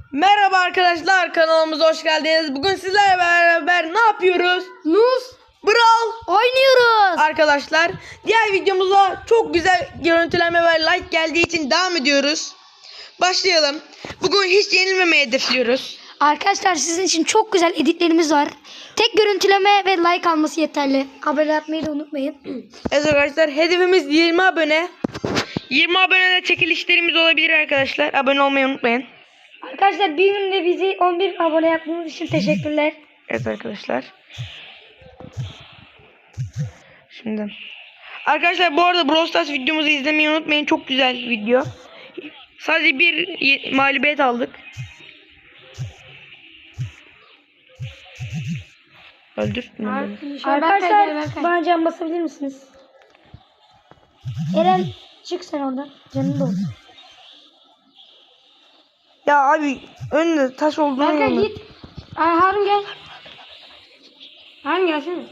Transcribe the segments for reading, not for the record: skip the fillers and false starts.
Merhaba arkadaşlar, kanalımıza hoş geldiniz. Bugün sizlerle beraber ne yapıyoruz? Nuz Brawl oynuyoruz. arkadaşlar. Diğer videomuza çok güzel görüntülenme ve like geldiği için devam ediyoruz. Başlayalım. Bugün hiç yenilmemeyi hedefliyoruz. Arkadaşlar sizin için çok güzel editlerimiz var. Tek görüntüleme ve like alması yeterli. Abone yapmayı da unutmayın. Evet arkadaşlar, hedefimiz 20 abone. 20 abonede çekilişlerimiz olabilir arkadaşlar. Abone olmayı unutmayın. Arkadaşlar bir günde bizi 11 abone yaptığınız için teşekkürler. Evet arkadaşlar. Şimdi arkadaşlar, bu arada Brawl Stars videomuzu izlemeyi unutmayın. Çok güzel video. Sadece bir mağlubiyet aldık. Öldürtme beni. Arkadaşlar bana can basabilir misiniz? Eren çık sen oradan. Canın da olsun. Ya abi, önünde taş olduğunu Berkay mu? git. Harun gel. Harun gelsene.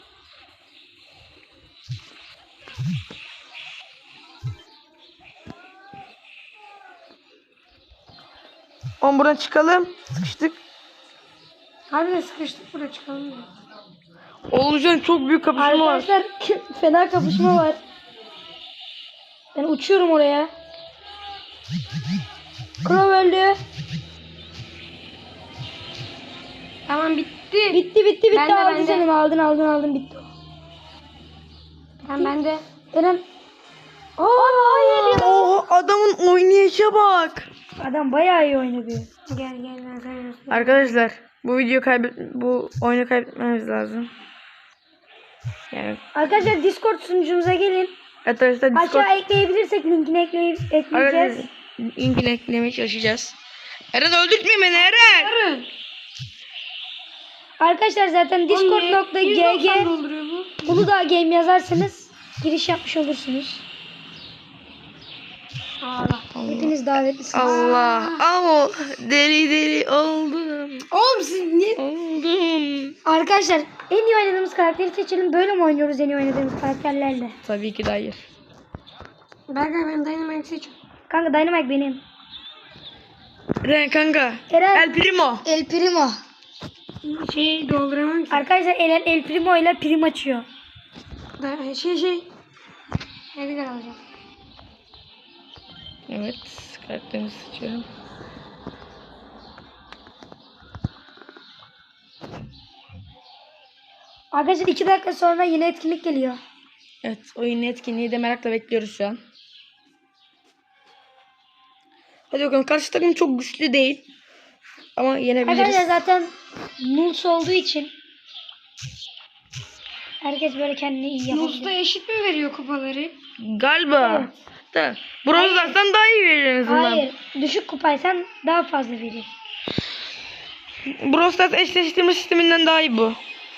Oğlum buradan çıkalım. Sıkıştık. Harbiden sıkıştık, buraya çıkalım ya. Oğulcan, çok büyük kapışma var. Arkadaşlar fena kapışma var. Ben uçuyorum oraya. Crow öldü. Tamam bitti. Bitti. Ben de, Aldı ben de. senin. Aldın bitti. Tamam ben de. Eren. Hayır ya. Oo, adamın oynayışa bak. Adam bayağı iyi oynadı. Gel ben sana göstereyim. Arkadaşlar, bu oyunu kaybetmemiz lazım. Yani Arkadaşlar Discord sunucumuza gelin. arkadaşlar Discord Aşağı ekleyebilirsek linkini ekleyeceğiz. arkadaşlar, linkini eklemeye çalışacağız. Eren, öldürtme beni Eren. Arkadaşlar zaten discord.gg dolduruyor bu. Uludağ Game yazarsanız giriş yapmış olursunuz. Allah. Hepiniz davetlisiniz. Allah deli oldum. Oğlum siz niye? Oldum. Arkadaşlar en iyi oynadığımız karakteri seçelim. Böyle mi oynuyoruz en iyi oynadığımız karakterlerle? Tabii ki de hayır. Berkay ben Dynamite seçiyorum. Kanka Dynamite benim. Eren kanka. Eren. El Primo. El Primo. Şey dolduramam ki. Arkadaşlar El Primo ile prim açıyor. Edgar alacağım. Evet, karakterimi seçiyorum. Arkadaşlar 2 dakika sonra yine etkinlik geliyor. Evet, oyun etkinliği de merakla bekliyoruz şu an. Hadi bakalım, karşı takım çok güçlü değil. Ama yenebiliriz. Arkadaşlar zaten Nurs olduğu için herkes böyle kendini iyi yapabilir. Nus'ta eşit mi veriyor kupaları? Galiba. Evet. Da. Brawl Stars'tan daha iyi verir en azından. Hayır. Düşük kupaysan daha fazla verir. Brawl Stars eşleştirme sisteminden daha iyi bu.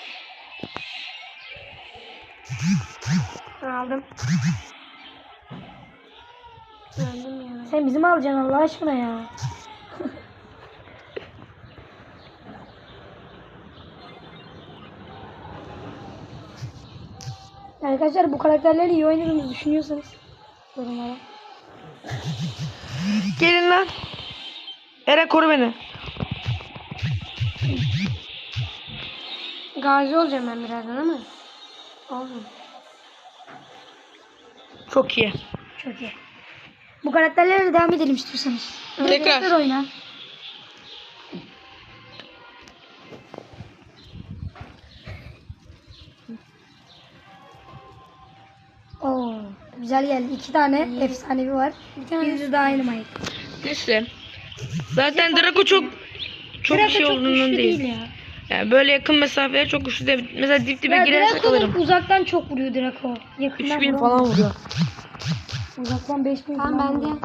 Aldım. Aldım ya. Sen bizim alacaksın Allah aşkına ya. Arkadaşlar bu karakterleri iyi oynadığınızı düşünüyorsanız yorumlara. Gelin lan. Eren, koru beni. Gazi olacağım ben birazdan ama. Oğlum. Çok iyi. Çok iyi. Bu karakterlerle devam edelim istiyorsanız. Tekrar. Oyna. Oo, güzel geldi. 2 tane efsanevi var. Bir de Dynamite. Neyse. Zaten Draco çok Draco şey çok olduğundan güçlü değil. ya. Yani böyle yakın mesafeler çok güçlü değil. Mesela dip dibe Ya girersek Draco'nun alırım. uzaktan çok vuruyor Draco. Yakından 3000 vuramıyor. falan vuruyor. Uzaktan 5000 Tamam falan ben de. vuruyor.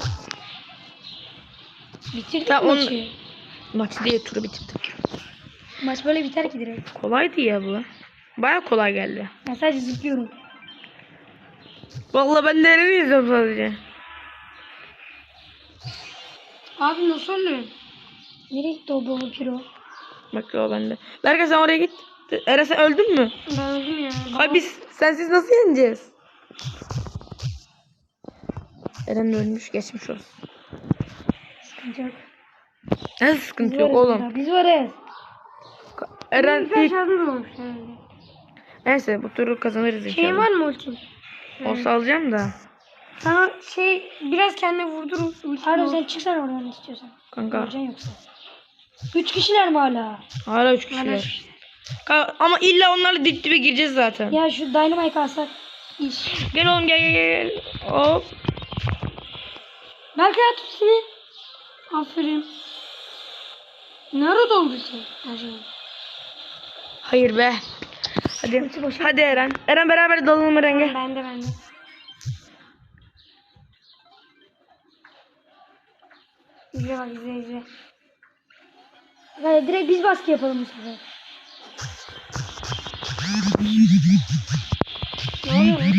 Bitirdik Tamam, maçı. Maçı değil, turu bitirdik. Maç böyle biter ki direkt. Kolaydı ya bu. Baya kolay geldi. Ben sadece zıplıyorum. Vallahi ben de Eren'i izliyorum sadece. Abi nasıl oluyor? Nereye gitti o baba piro? Bak o bende. Berkay, sen oraya git. Eren, sen öldün mü? Ben öldüm ya. Ay, biz sensiz nasıl yeneceğiz? Eren ölmüş, geçmiş olsun. Sıkıntı yok. Nasıl sıkıntı yok oğlum? Biz varız. Eren Ben ilk... şarjım olmuş herhalde. Neyse bu turu kazanırız inşallah. Şeyin var mı ultin? Olsa alacağım da. Sana biraz kendine vurdurur. Harun sen çıksana oradan istiyorsan. Kanka. Öleceksin yoksa. 3 kişiler mi hala? Hala 3 kişiler. Ama illa onlarla dip dibe gireceğiz zaten. Ya şu Dynamite alsak iş. Gel oğlum gel. Hop. Belki at seni. Aferin. Nerede doldu sen? Acaba. Hayır be. Hadi. Hadi Eren. Eren beraber dalalım Eren'e. Bende. İzle bak izle. Hayır, direkt biz baskı yapalım bu sefer. Ne oluyor lan?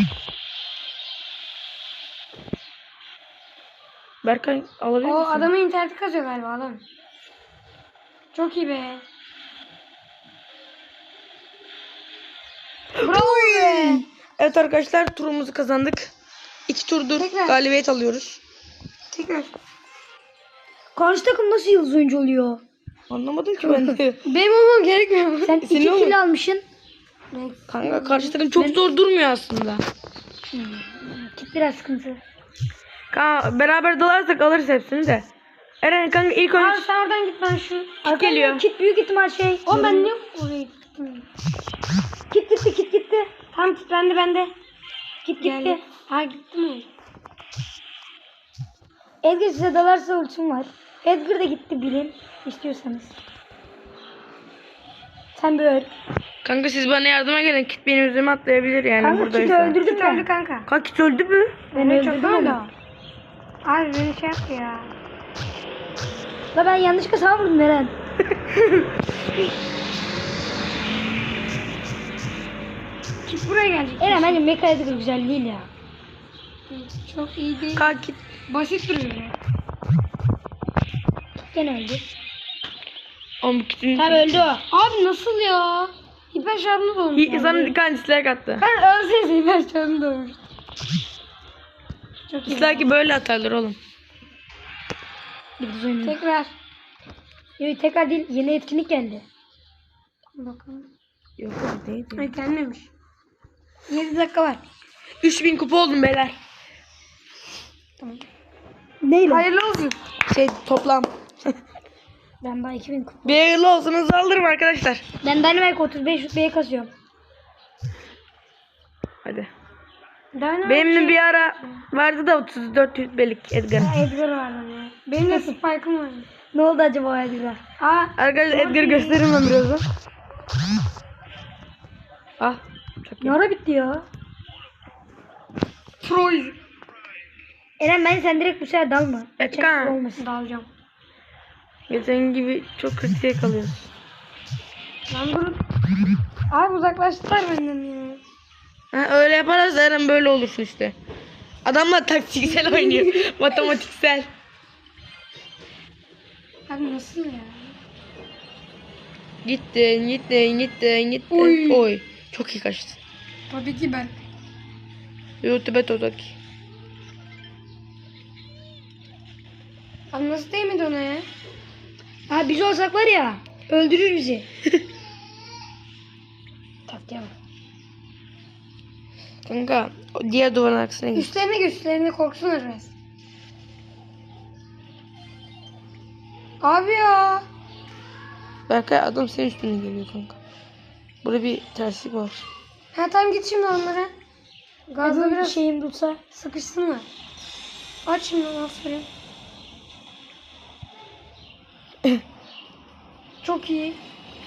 Berkay alabilir O misin? adamın interneti kazıyor galiba adam. Çok iyi be. Bravo be. Evet arkadaşlar turumuzu kazandık. 2 turdur Tekrar. galibiyet alıyoruz. Tekrar. Karşı takım nasıl yıldız oyuncu oluyor? Anlamadım ki ben de. Benim olmam gerekmiyor mu? Sen 2 Senin kill almışsın. Kanka karşı takım çok zor durmuyor aslında. Kit biraz sıkıntı. Kanka beraber dalarsak alırız hepsini de. Eren kanka ilk Abi önce sen oradan git ben şu. Arkadan geliyor. Kit büyük ihtimal şey. O ben niye oraya gittim? Kit gitti. Tam git bende. Kit Geldi. gitti. Ha gitti mi? Edgar size dalarsa ultim var. Edgar da gitti bilin istiyorsanız. Sen bir öl. kanka siz bana yardıma gelin. Kit benim üzerime atlayabilir yani Kanka Kit'i buradaysa. öldürdüm Git ben. öldü kanka. Kanka Kit öldü mü? Ben Çok öldürdüm öldü. onu. Abi beni şey yaptı ya. La ben yanlışlıkla sana vurdum Eren. Git buraya gelecek. Eren bence Mecha Edgar güzel değil ya. Çok iyi değil. Kanka Kit. Basit duruyor ya. Gene öldü. Oğlum bu Kit'in... Tamam öldü o. Abi nasıl ya? İper şarjını dolmuş. Sana bir tane dislike attı. Ben ölseyse İper şarjını dolmuş. Çok iyi. Dislike'i böyle atarlar oğlum. Yıldız oynuyor. Tekrar. Yok tekrar değil, yeni etkinlik geldi. Bakalım. Yok değil. Ay gelmemiş. 7 dakika var. 3000 kupa oldum beyler. Neyle? Hayırlı olsun. Toplam. Ben daha 2000 kupa. Bir hayırlı olsun alırım arkadaşlar. Ben Dynamite 35 rütbeye kasıyorum. Hadi. Dynamite Benim de şey- bir ara vardı da 34 rütbelik Edgar'ın. Edgar vardı ya. Benim de Spike'ım var. Ne oldu acaba Edgar'a? Aa, Arkadaşlar Edgar'ı gösteririm ben birazdan. Ah. Çok iyi. Ne ara bitti ya? Troll. Eren bence sen direkt bu sefer dalma. Edgar. Olmasın. Dalacağım. Geçen gibi çok kötüye kalıyoruz. Ben bunu... Abi uzaklaştılar benden ya. Ha, öyle yaparız Eren böyle olursun işte. Adamlar taktiksel oynuyor. Matematiksel. Abi nasıl ya? Gitti. Oy. Oy. Çok iyi kaçtı. Tabii ki ben. YouTube Totaki. Abi nasıl değmedi ona ya? Ha biz olsak var ya öldürür bizi. Taktiğe bak. Kanka o diğer duvarın arkasına git. Üstlerine korksunlar biraz. Abi ya. Berkay adam senin üstüne geliyor kanka. Burada bir terslik var. Ha tamam git şimdi onlara. Gazla biraz şeyim tutsa. sıkışsınlar. Aç şimdi aferin. Çok iyi.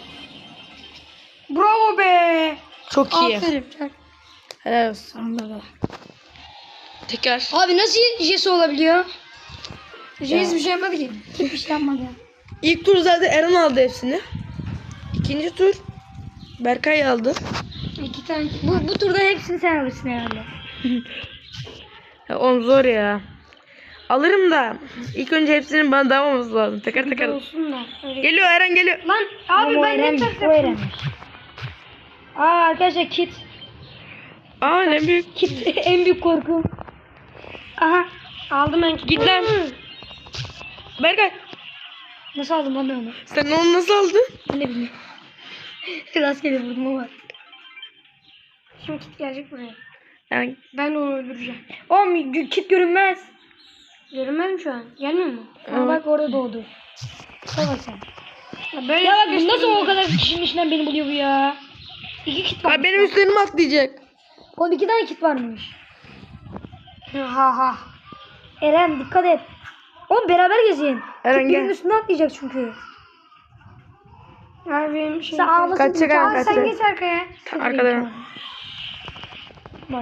Bravo be. Çok iyi. Aferin. Çok. Helal olsun. Tekrar. Abi nasıl Jesse olabiliyor? Hiçbir şey yapmadı ki. Hiçbir şey yapmadı. İlk tur zaten Eren aldı hepsini. İkinci tur Berkay aldı. 2 tane. Bu turda hepsini sen alırsın herhalde. Ya, oğlum zor ya. Alırım da ilk önce hepsinin bana dağılmaması lazım. Teker teker. Olsun da. Öyle. Geliyor Eren geliyor. Lan abi O ben ne Eren, ters o yaptım? Eren. Aa arkadaşlar Kit. Aa ne büyük. Kit en büyük korkum. Aha. Aldım ben. Git lan. Berkay. Nasıl aldım lan ben onu? Sen onu nasıl aldın? Ben de bilmiyorum. Rastgele vurdum ama. Şimdi kit gelecek buraya. Yani Ben de onu öldüreceğim. Oğlum kit görünmez. Görünmez mi şu an? Gelmiyor mu? Ama bak orada doğdu. Bak sen. Ya böyle Ya bak bu nasıl o kadar kişinin içinden beni buluyor bu ya? 2 kit var. Abi benim üstlerime atlayacak. Oğlum 2 tane kit varmış. Ha ha. Eren dikkat et. Oğlum beraber gezin. Eren, Kit birinin gel. üstüne atlayacak çünkü. Ya benim şey. Sen ağlasın. Kaçacak Eren, Aa, sen kaçacak. geç arkaya. Arkada. Bak.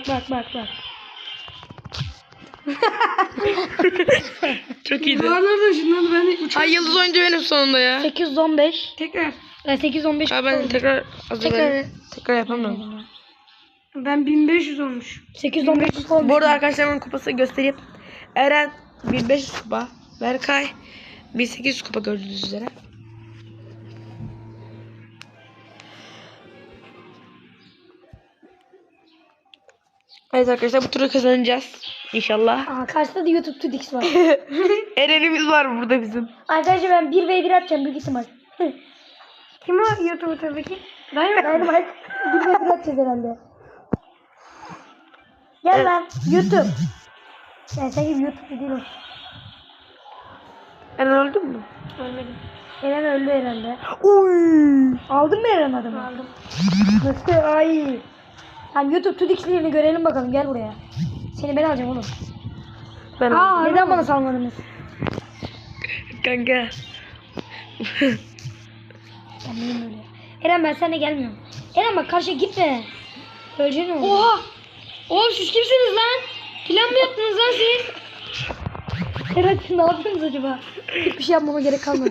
Çok iyiydi. Daha nereden şimdi ben de uçak. Ay yıldız oyuncu benim sonunda ya. 815. Tekrar. 815. Abi ben tekrar Tekrar. tekrar yapamıyorum. Ben 1500 olmuş. 815 olmuş. Bu arada arkadaşlarımın kupası göstereyim. Eren 1500 kupa. Berkay 1800 kupa gördüğünüz üzere. Evet arkadaşlar bu turu kazanacağız. İnşallah. Aa, karşıda da YouTube 2x var. Eren'imiz var burada bizim. Arkadaşlar ben 1v1 atacağım büyük ihtimal. Kim o YouTube'daki? Dayı Dynamite 1v1 atacağız herhalde. Gel lan YouTube. Yani sen gibi YouTube değil o. Eren öldü mü? Ölmedim. Eren öldü herhalde. Uy. Aldın mı Eren adamı? Aldım. Nasıl? Ay. Tamam YouTube 2x'lerini görelim bakalım gel buraya. Seni ben alacağım oğlum. Ben Aa, Neden bana salmadınız? kanka. Ben neyim öyle? Eren ben seninle gelmiyorum. Eren bak karşıya gitme. Öleceksin oğlum. Oha! Oğlum siz kimsiniz lan? Plan mı yaptınız lan siz? Eren siz ne yapıyorsunuz acaba? Hiçbir şey yapmama gerek kalmadı.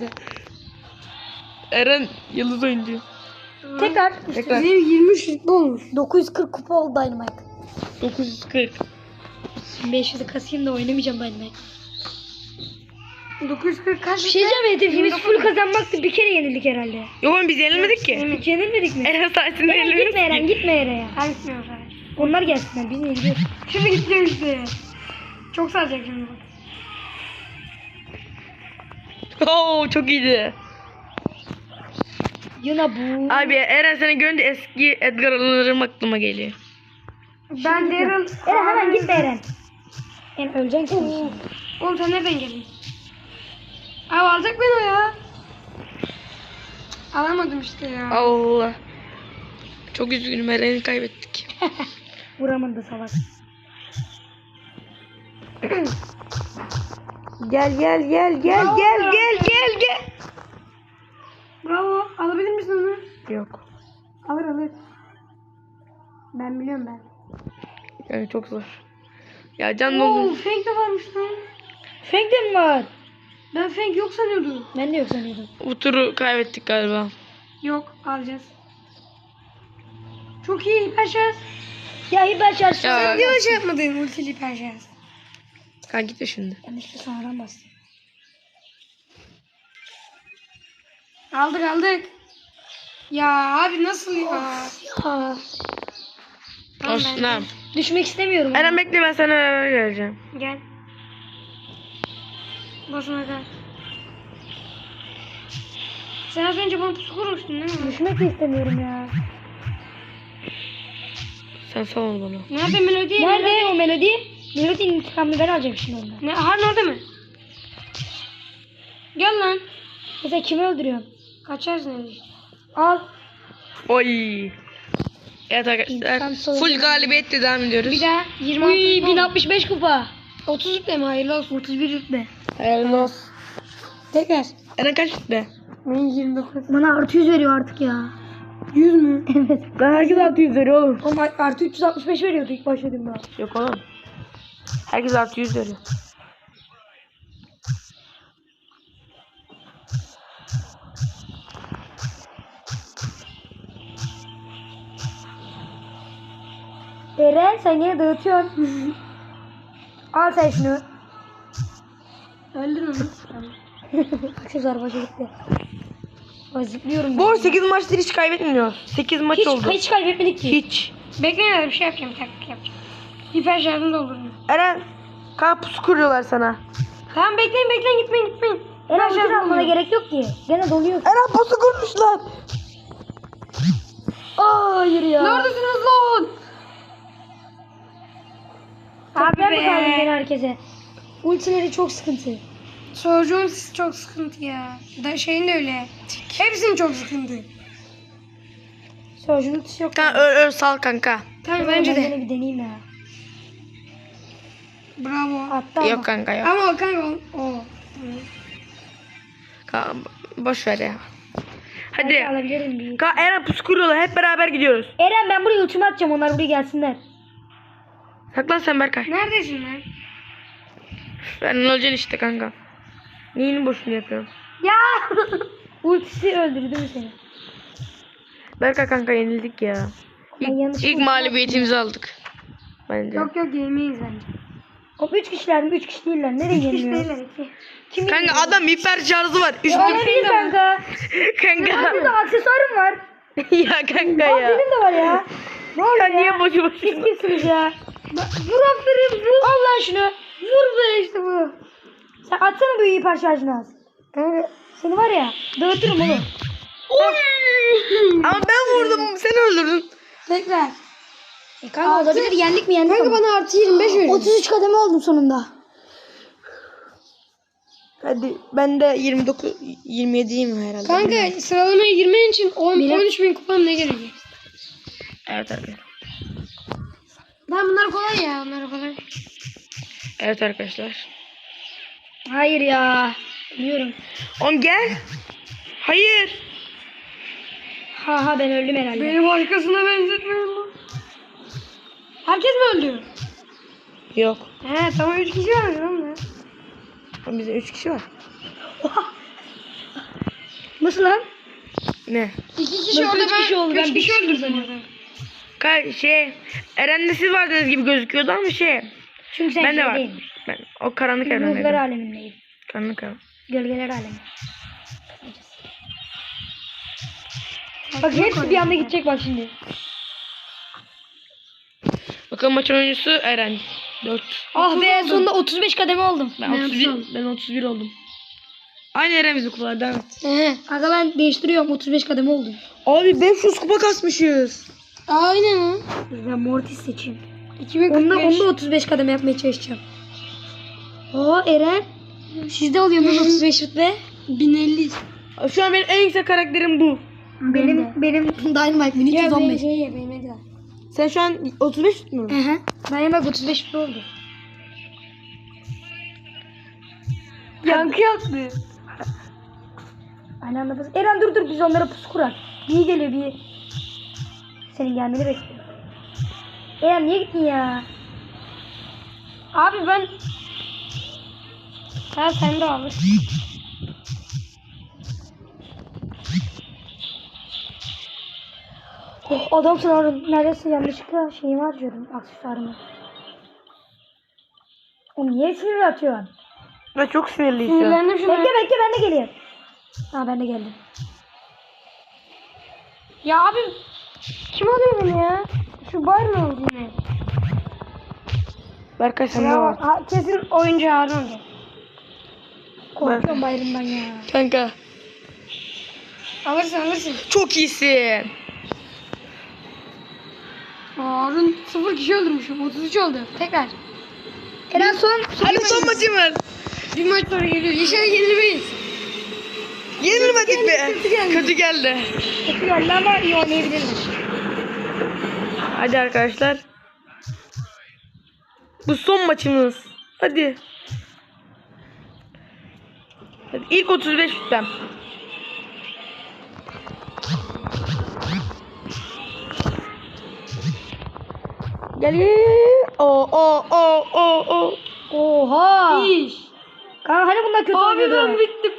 Eren yıldız oyuncu. Tekrar. Tekrar. Benim 23 rütbe olmuş. 940 kupa oldu Dynamite. 940. 500'ü kasayım da oynamayacağım Dynamite. 940 kaç? Bir şey diyeceğim hedefimiz full kazanmaktı. Bir kere yenildik herhalde. Yok oğlum biz yenilmedik ki. Hiç yenilmedik mi? Eren sayesinde Eren yenilmiyoruz gitme Eren ki. gitme Eren'e. Hangisi yok abi? Onlar gelsinler biz yeniliyoruz. Şimdi gideceğim işte. Çok saracak şimdi bak. Oo çok iyiydi. Yine bu. Abi Eren seni görünce eski Edgar Allan'larım aklıma geliyor. Ben Daryl. Eren hemen gitme Eren. Eren öleceksin ki. Oğlum sen nereden geldin? Abi alacak beni o ya. Alamadım işte ya. Allah. Çok üzgünüm Eren'i kaybettik. Vuramadı salak. Gel. Bravo. Alabilir misin onu? Yok. Alır. Ben biliyorum ben. Yani çok zor. Ya can Oo, doldu. Fang de varmış lan. Feng de mi var? Ben Fang yok sanıyordum. Ben de yok sanıyordum. Bu turu kaybettik galiba. Yok, alacağız. Çok iyi hiper şans. Ya hiper şarj. Ya. Sen niye şey yapmadın ultili hiper şans? Kanka gitme şimdi. Yanlışlıkla sonradan bastım. Aldık. Ya abi nasıl ya? Aa, Olsun tamam. düşmek istemiyorum. Eren bekle ben sana beraber geleceğim. Gel. Boşuna gel. Sen az önce bana pusu kurmuştun değil mi? Düşmek de istemiyorum ya. Sen sal onu bana. Nerede melodi? Nerede o melodi? Melodinin intikamını ben alacağım şimdi ondan. Ne? Harun orada mı? Gel lan. Mesela kimi öldürüyorsun? Kaçarsın öyle işte. Al. Oy. Evet arkadaşlar. İntikam soğudu. Full galibiyetle devam ediyoruz. Bir daha 26 Uy, rütbe oldu. 1065 kupa. 30 rütbe mi? Hayırlı olsun. 31 rütbe. Hayırlı olsun. Tekrar. Eren kaç gitti? Benim 29. Bana artı 100 veriyor artık ya. 100 mü? Evet. Lan herkes 600 veriyor oğlum. Oğlum artı 365 veriyordu ilk başladığımda. Yok oğlum. Herkes artı 100 veriyor. Eren sen yine dağıtıyorsun. Al sen şunu. Öldür onu. Aksesuar başa gitti. Ay, zıplıyorum. Bu arada 8 maçtır hiç kaybetmiyor. 8 maç hiç, oldu. hiç kaybetmedik ki. Hiç. Bekleyin bir şey yapacağım. Bir taktik yapacağım. Hiper şarjını doldurun. Eren kanka pusu kuruyorlar sana. Tamam bekleyin gitmeyin. Eren ulti almana gerek yok ki. Gene doluyor. Eren posu kurmuşlar. Hayır ya. Neredesiniz lan? Abi be. mi kaldın gene herkese? Ultileri çok sıkıntı. Soğucuğun sesi çok sıkıntı ya. Da şeyin de öyle. Hepsinin çok sıkıntı. Sörcün ultisi yok. Kanka öl sal kanka. Kanka Ben bence de. gene bir deneyeyim ya. Bravo. Hatta Yok kanka yok. Ama kanka o. Kanka, boş ver ya. Hadi. alabilirim bir. Kanka Eren pusu kuruyorlar. Hep beraber gidiyoruz. Eren ben buraya ultimi atacağım. Onlar buraya gelsinler. Saklan sen Berkay. Neredesin lan? Ben olacaksın işte kanka. Neyini boşuna yapıyorum. Ya. Ultisi öldürdü mü seni? Berkay kanka yenildik ya. Ben yanlış İlk mağlubiyetimizi aldık. Bence. Yok yemeyiz bence. O 3 kişiler mi? 3 kişi değiller. Nereye yeniliyor? Kim Kanka adam hiper şarjı var. Üst Olabilir kanka. kanka. Burada aksesuarım var. ya kanka Aa, ya. benim de var ya. Ne oluyor Sen ya? niye boşu boşuna? Siz kimsiniz ya? Vur aferin vur. Al lan şunu. Vur be işte bu. Sen atsana bu hiper şarjını az. Kanka seni var ya dağıtırım oğlum. Ama ben vurdum. Sen öldürdün. Tekrar. Kanka olabilir yendik mi yendik Kanka ama. bana artı 25 verin. 33 kademe oldum sonunda. Hadi ben de 27'yim herhalde. Kanka sıralamaya girmen için 13 bin kupam ne gerekiyor? Evet abi. Lan bunlar kolay ya. Onlar kolay. Evet arkadaşlar. Hayır ya. Biliyorum. On gel. Hayır. Ha ben öldüm herhalde. Beni başkasına benzetmeyin lan. Herkes mi öldü? Yok. He tamam 3 kişi var lan. Bizde 3 kişi var. Nasıl lan? Ne? 2 kişi Nasıl orada üç kişi oldu? Ben 3 bir kişi kişi öldürdüm orada. Eren'de siz vardınız gibi gözüküyordu ama Çünkü sen ben de var. şeydeydin. Ben o karanlık Ruhlar evrendeydim. alemindeyim. Karanlık evren. Gölgeler alemi. Bak hepsi bir anda gidecek bak şimdi. Bakalım maçın oyuncusu Eren. 4. Ah be sonunda 35 kademe oldum. Ben 31 oldum. Aynı Eren bizim kupalar devam et. Aga ben değiştiriyorum 35 kademe oldum. Abi 500 kupa kasmışız. Aynen ha. Ben Mortis seçeyim. 2045. Onda 35 kademe yapmaya çalışacağım. Aa Eren. Sizde oluyor mu 35 rütbe? 1050. Şu an benim en yüksek karakterim bu. Benim Dynamite 1315. Benim de. Sen şu an 35 mu? Hı hı. Dynamite 35 rütbe oldu. Yankı yaptı. Aynı anda bas. Eren dur biz onlara pusu kurar. Bir geliyor bir. Senin gelmeni bekliyor. Eren niye gittin ya? Abi ben... Ha sen de alır. Oh, adamsın Harun. Neredeyse yanlışlıkla şeyimi harcıyorum. Aksesuarımı. O niye sinir atıyorsun? Ben çok sinirliyim şu an. Sinirlendim şuna. Bekle ben de geliyorum. Ha ben de geldim. Ya abi kim alıyor beni ya? Şu bar mı oldu yine? Berkay sen de Ya var. kesin oyuncu Harun oldu. Korkuyorum bayramdan ya. Kanka. Alırsın. Çok iyisin. Harun 0 kişi öldürmüşüm. 33 oldu. Tekrar. Eren son. Hadi son maçımız. Bir maç sonra geliyor. İnşallah yenilmeyiz. Yenilmedik be. kötü geldi. Kötü geldi. Kötü geldi ama iyi oynayabilirim. Hadi arkadaşlar. Bu son maçımız. Hadi. Hadi ilk 35 tutam. Gel. O. Oha. İş. Kanka hani bunlar kötü Abi oynuyordu? ben bittim.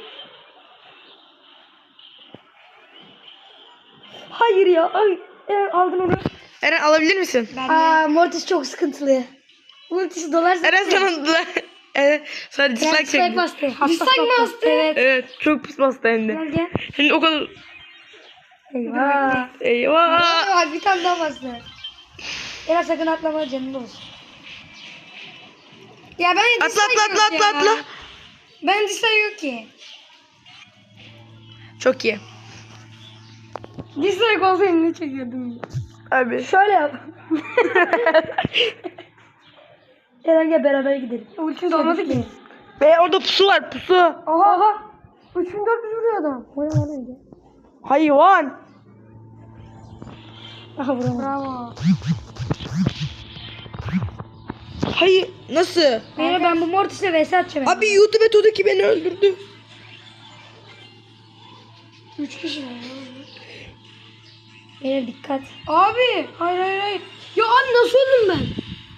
Hayır ya. Ay, Eren aldın onu. Eren alabilir misin? Aa Mortis çok sıkıntılı. Ultisi dolarsa. Eren sana dislike Dislike çekti. bastı. Dislike mi bastı? Evet. Evet çok pis bastı hem de. Gel gel. Şimdi o kadar. Eyvah. Eyvah. Aa, bir tane daha bastı. Eren sakın atlama canın olsun. Ya ben Atla. Ben dislike yok ki. Çok iyi. Dislike olsaydı ne çekiyordum ya. Abi. Şöyle yap. Eren gel beraber gidelim. Ultim dolmadı ki. Ve orada pusu var pusu. Aha. 3400 vuruyor adam. Oraya gel. Hayvan. Aha vuramadım. Bravo. Hayır nasıl? Beyler ben bu Mortis'le vs atacağım. Abi YouTube Todaki beni öldürdü. 3 kişi var. Beyler dikkat. Abi. Hayır. Ya abi nasıl öldüm ben?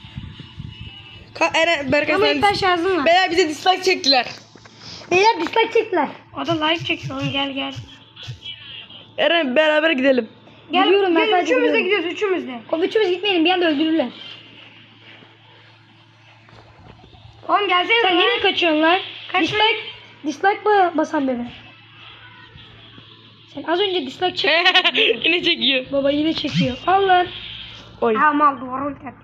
Eren Berkay Ama sen... ilk baş yazdım var. Beyler bize dislike çektiler. Beyler dislike çektiler. O da like çekiyor. Gel. Eren beraber gidelim. Biliyorum, ben gel sadece üçümüz de biliyorum. gidiyoruz üçümüz de. O üçümüz gitmeyelim bir anda öldürürler. Oğlum gelsene Sen lan. nereye kaçıyorsun lan? Kaçmayın. Dislike basan bebe. Sen az önce dislike çek. Yine çekiyor. Baba yine çekiyor. Al lan. Oy. Ha mal duvara ulti at.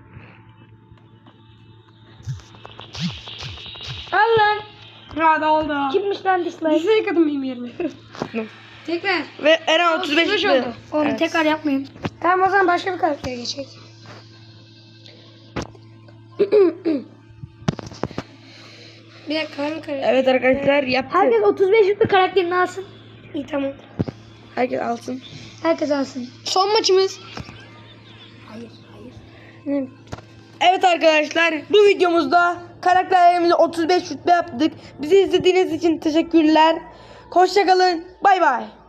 Al lan. Ya da oldu. Kimmiş lan dislike? Dislike atın benim yerime. Tekrar. Ve Eren 35 35 oldu. oldu. Onu Evet. tekrar yapmayın. Tamam o zaman başka bir karaktere geçecek. Bir dakika hangi karakter? Evet arkadaşlar yaptı. Herkes 35 yüklü karakterini alsın. İyi tamam. Herkes alsın. Herkes alsın. Son maçımız. Evet arkadaşlar bu videomuzda karakterlerimizi 35 rütbe yaptık. Bizi izlediğiniz için teşekkürler. Hoşçakalın. Bay bay.